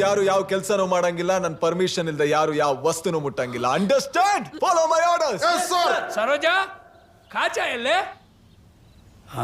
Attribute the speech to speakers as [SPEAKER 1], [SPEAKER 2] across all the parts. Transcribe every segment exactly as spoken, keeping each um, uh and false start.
[SPEAKER 1] ಯಾರು ಯಾವ ಕೆಲಸನೂ ಮಾಡಂಗಿಲ್ಲ, ನನ್ನ ಪರ್ಮಿಷನ್ ಇಲ್ಲದೆ ಯಾರು ಯಾವ ವಸ್ತುನು ಮುಟ್ಟಂಗಿಲ್ಲ. Understand? Follow my orders.
[SPEAKER 2] Yes sir.
[SPEAKER 3] Saroja, ಕಾಚಾ ಎಲ್ಲೇ? ಹಾ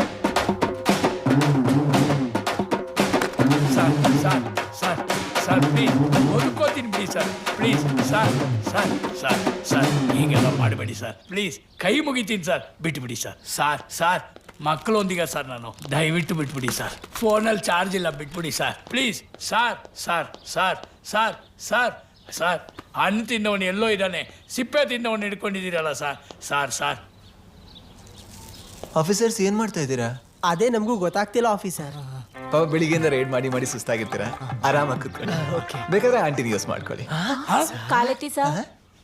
[SPEAKER 3] sir sir sir sir please ಓದ್ಕೋತೀನಿ ಬಿಡಿ sir, please sir sir sir sir ಹೀಗೆಲ್ಲ ಮಾಡಬೇಡಿ ಸರ್, ಪ್ಲೀಸ್ ಕೈ ಮುಗಿತೀನಿ ಸರ್, ಬಿಟ್ಬಿಡಿ ಸರ್. ಸರ್ ಸರ್ ಮಕ್ಕಳೊಂದಿಗೆ ಸರ್ ನಾನು, ದಯವಿಟ್ಟು ಬಿಟ್ಬಿಡಿ ಸರ್. ಫೋನಲ್ಲಿ ಚಾರ್ಜ್ ಇಲ್ಲ, ಬಿಟ್ಬಿಡಿ sir please. Sir sir sir sir sir sir ಹಣ್ಣು ತಿನ್ನವನು ಎಲ್ಲೋ ಇದ್ದಾನೆ, ಸಿಪ್ಪೆ ತಿನ್ನವನು ಹಿಡ್ಕೊಂಡಿದ್ದೀರಲ್ಲ ಸರ್. ಸರ್ ಸರ್
[SPEAKER 1] ಆಫೀಸರ್ಸ್ ಏನ್ ಮಾಡ್ತಾ ಇದ್ದೀರಾ?
[SPEAKER 4] ಅದೇ ನಮಗೂ ಗೊತ್ತಾಗ್ತಿಲ್ಲ ಆಫೀಸರ್.
[SPEAKER 1] ಪಾಪ ಬೆಳಿಗ್ಗೆಯಿಂದ ರೈಡ್ ಮಾಡಿ ಮಾಡಿ ಸುಸ್ತಾಗಿರ್ತೀರಾ, ಆರಾಮಾಗಿ ಕೂತ್ಕೊಳ್ಳಿ. ಬೇಕಾದ್ರೆ ಆಂಟಿನ ಯೂಸ್ ಮಾಡ್ಕೊಳ್ಳಿ.
[SPEAKER 5] ಕಾಲೆತ್ತಿ ಸರ್,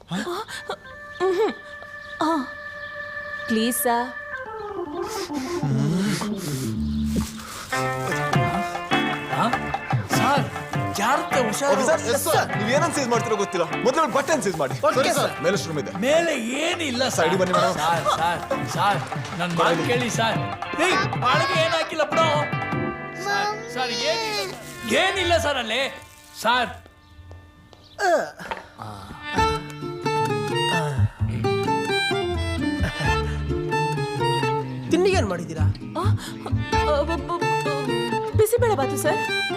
[SPEAKER 5] ಪ್ಲೀಸ್ ಸರ್.
[SPEAKER 3] ಸರ್ ಜಾಗ್ರತೆ, ಹುಷಾರು.
[SPEAKER 1] ನೀವೇನನ್ ಸೀಸ್ ಮಾಡ್ತಿರೋ ಗೊತ್ತಿಲ್ಲ, ಮೊದಲು ಬಟನ್ ಸೀಸ್ ಮಾಡಿ. ಮೇಲೆ ರೂಮ್ ಇದೆ,
[SPEAKER 3] ಮೇಲೆ ಏನಿಲ್ಲ
[SPEAKER 1] ಸೈಡ್ ಬನ್ನಿ ಮೇಡಮ್.
[SPEAKER 3] ಸರ್ ಸರ್ ಸರ್ ನನ್ನ ಮಾತು ಕೇಳಿ ಸರ್. ಏಯ್ ಬಾಳಿಗೆ ಏನು ಹಾಕಿಲ್ಲ ಬಿಡೋ ಸರ್. ಸರ್ ಏನಿಲ್ಲ ಏನಿಲ್ಲ ಸರ್ ಅಲ್ಲಿ ಸರ್.
[SPEAKER 4] ತಿಂಡಿಗೆ ಏನ್ ಮಾಡಿದ್ದೀರಾ?
[SPEAKER 5] ಬಿಸಿಬೇಳೆ ಬಾತು ಸರ್.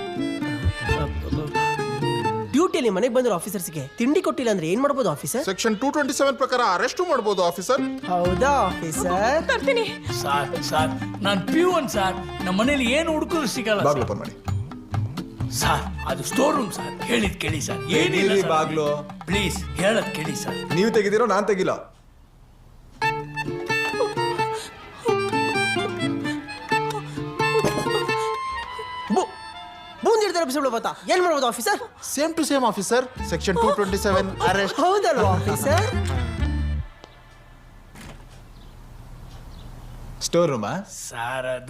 [SPEAKER 4] ಡ್ಯೂಟಿಯಲ್ಲಿ ಮನೆಗೆ ಬಂದಿರೋ ಆಫೀಸರ್ಸ್ಗೆ ತಿಂಡಿ ಕೊಟ್ಟಿಲ್ಲ ಅಂದ್ರೆ ಏನ್ ಮಾಡ್ಬೋದು officer?
[SPEAKER 2] Section two twenty seven ಪ್ರಕಾರ ಅರೆಸ್ಟ್ ಮಾಡಬಹುದು ಆಫೀಸರ್.
[SPEAKER 4] ಹೌದಾ ಆಫೀಸರ್?
[SPEAKER 5] ತರ್ತೀನಿ
[SPEAKER 3] ಸರ್. ಸರ್ ನಾನು ಪ್ಯೂನ್ ಸರ್, ನಮ್ಮ ಮನೇಲಿ ಏನು ಹುಡುಕರು ಸಿಗಲ್ಲ
[SPEAKER 1] ಬಾಗ್ಲು ಓಪನ್ ಮಾಡಿ
[SPEAKER 3] ಸರ್. ಅದು ಸ್ಟೋರ್ ರೂಮ್ ಸರ್, ಹೇಳಿದ್ ಕೇಳಿ ಸರ್. ಏನಿಲ್ಲ
[SPEAKER 1] ತೆಗೀರಿ ಬಾಗ್ಲು.
[SPEAKER 3] ಪ್ಲೀಸ್ ಹೇಳದ್ ಕೇಳಿ ಸರ್.
[SPEAKER 1] ನೀವು ತೆಗಿದಿರೋ ನಾನ್ ತೆಗಿಲ್ಲ.
[SPEAKER 4] ಬೂಂದಿಡ್ತಾರೆ ಬಿಸಿಬೇಳೆ ಬಾತ, ಏನ್ ಮಾಡ್ಬೋದು officer?
[SPEAKER 2] Same to same officer, section two twenty seven arrest.
[SPEAKER 4] ಹೌದಲ್ವಾ ಆಫೀಸರ್?
[SPEAKER 1] ಸ್ಟೋರ್ ರೂಮಾ?
[SPEAKER 3] ಸರ್ ಅದು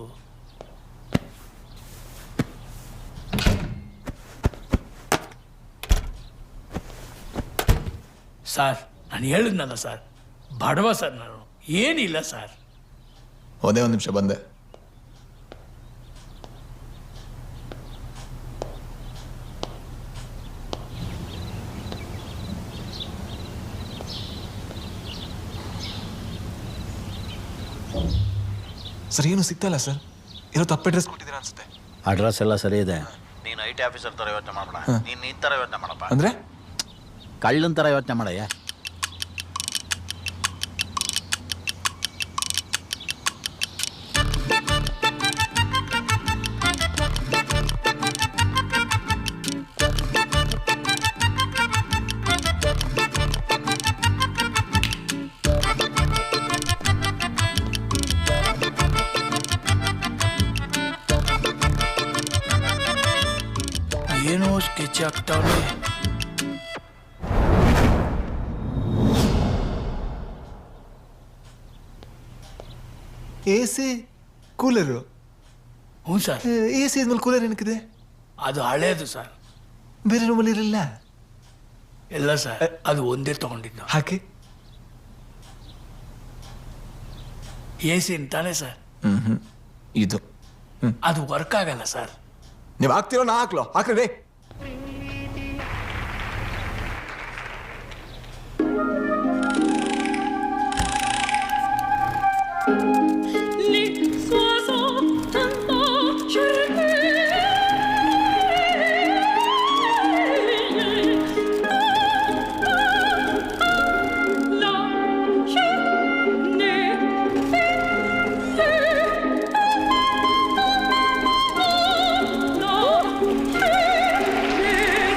[SPEAKER 3] ಸರ್ ನಾನು ಹೇಳಿದ್ನಲ್ಲ ಸರ್, ಬಡವ ಸರ್ ನಾನು, ಏನಿಲ್ಲ ಸರ್.
[SPEAKER 1] ಒಂದೇ ಒಂದು ನಿಮಿಷ ಬಂದೆ. ಸರ್ ಏನು ಸಿಗ್ತಲ್ಲ ಸರ್, ಏನೋ ತಪ್ಪು ಅಡ್ರೆಸ್ ಕೊಟ್ಟಿದ್ದೀರಾ ಅನ್ಸುತ್ತೆ.
[SPEAKER 6] ಅಡ್ರೆಸ್ ಎಲ್ಲ ಸರಿ ಇದೆ. ನೀನು ಐ ಟಿ ಆಫೀಸರ್ ಥರ ಯೋಚನೆ ಮಾಡಬೇಡ, ನೀನು ಈ ಥರ ಯೋಚನೆ ಮಾಡಪ್ಪ.
[SPEAKER 1] ಅಂದ್ರೆ
[SPEAKER 6] ಕಳ್ಳನ ಥರ ಯೋಚನೆ ಮಾಡಯ್ಯ.
[SPEAKER 3] ಏನೋ ಸ್ಕೆಚ್ ಆಗ್ತಾವೆ.
[SPEAKER 1] A C cooler?
[SPEAKER 3] ಹ್ಞೂ ಸರ್.
[SPEAKER 1] ಎ ಸಿ ಆದ್ಮೇಲೆ ಕೂಲರ್ ಏನಕ್ಕಿದೆ?
[SPEAKER 3] ಅದು ಹಳೇದು ಸರ್,
[SPEAKER 1] ಬೇರೆ ರೂಮಲ್ಲಿ ಇರಲಿಲ್ಲ.
[SPEAKER 3] ಎಲ್ಲ ಸರ್ ಅದು ಒಂದೇ ತಗೊಂಡಿದ್ದು.
[SPEAKER 1] ಹಾಕಿ.
[SPEAKER 3] ಎ ಸಿ ಅಂತಾನೆ ಸರ್.
[SPEAKER 1] ಹ್ಮ್ ಹ್ಮ್ ಇದು
[SPEAKER 3] ಅದು ವರ್ಕ್ ಆಗಲ್ಲ ಸರ್.
[SPEAKER 1] ನೀವು ಹಾಕ್ತಿರೋ ನಾ ಹಾಕ್ಲೋ? ಹಾಕ್ರಿ.